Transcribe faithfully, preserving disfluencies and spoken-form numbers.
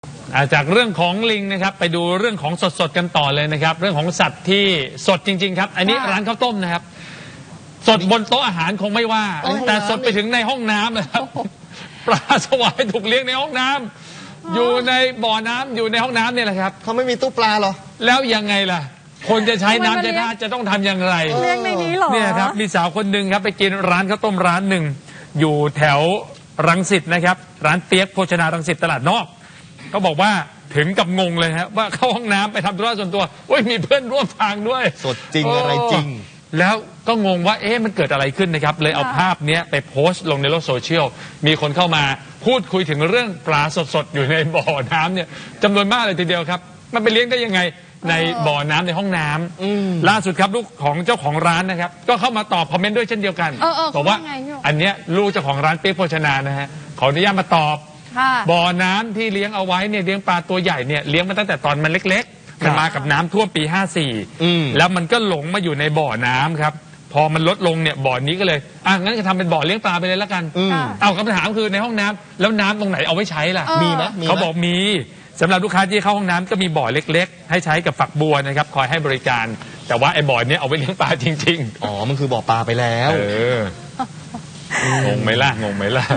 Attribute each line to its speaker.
Speaker 1: จากเรื่องของลิงนะครับไปดูเรื่องของสดๆกันต่อเลยนะครับเรื่องของสัตว์ที่สดจริงๆครับอันนี้ร้านข้าวต้มนะครับสดบนโต๊ะอาหารคงไม่ว่าแต่สดไปถึงในห้องน้ำนะครับปลาสวายถูกเลี้ยงในห้องน้ำอยู่ในบ่อน้ำอยู่ในห้องน้ำเนี่ยแหละครับ
Speaker 2: เขาไม่มีตู้ปลาหรอ
Speaker 1: แล้วยังไงล่ะคนจะใช้น้ำใช้ท่าจะต้องทำอย่างไร
Speaker 3: เลี้ยงในนี้หรอ
Speaker 1: เนี่ยครับมีสาวคนหนึ่งครับไปกินร้านข้าวต้มร้านหนึ่งอยู่แถวรังสิตนะครับร้านเปี๊ยกโภชนารังสิตตลาดนอกเขาบอกว่าถึงกับงงเลยครับว่าเข้าห้องน้ำไปทำธุระส่วนตัวโอ้ยมีเพื่อนร่วมทางด้วย
Speaker 2: สดจริงอะไรจริง
Speaker 1: แล้วก็งงว่าเอ๊ะมันเกิดอะไรขึ้นนะครับเลยเอาภาพนี้ไปโพสต์ลงในโลกโซเชียลมีคนเข้ามาพูดคุยถึงเรื่องปลาสดๆอยู่ในบ่อน้ำเนี่ยจำนวนมากเลยทีเดียวครับมันไปเลี้ยงได้ยังไงในบ่อน้ำในห้องน้ำล่าสุดครับลูกของเจ้าของร้านนะครับก็เข้ามาตอบคอมเมนต์ด้วยเช่นเดียวกันบอกว่าอันเนี้ยลูกเจ้าของร้านเปี๊ยกโภชนานะฮะขออนุญาตมาตอบบ่อน้ำที่เลี้ยงเอาไว้เนี่ยเลี้ยงปลาตัวใหญ่เนี่ยเลี้ยงมาตั้งแต่ตอนมันเล็กๆมันมากับน้ำท่วมปีห้าสี่แล้วมันก็หลงมาอยู่ในบ่อน้ำครับพอมันลดลงเนี่ยบ่อนี้ก็เลยอ่ะงั้นก็ทำเป็นบ่อเลี้ยงปลาไปเลยแล้วกันเอาคำถามคือในห้องน้ำแล้วน้ำตรงไหนเอาไว้ใช้ล่ะ
Speaker 2: มีไหม
Speaker 1: เขาบอกมีสำหรับลูกค้าที่เข้าห้องน้ำก็มีบ่อเล็กๆให้ใช้กับฝักบัวนะครับคอยให้บริการแต่ว่าไอ้บ่อนี้เอาไว้เลี้ยงปลาจริงๆ
Speaker 2: อ๋อมันคือบ่อปลาไปแล้ว
Speaker 1: เอองงไหมล่ะงงไหมล่ะ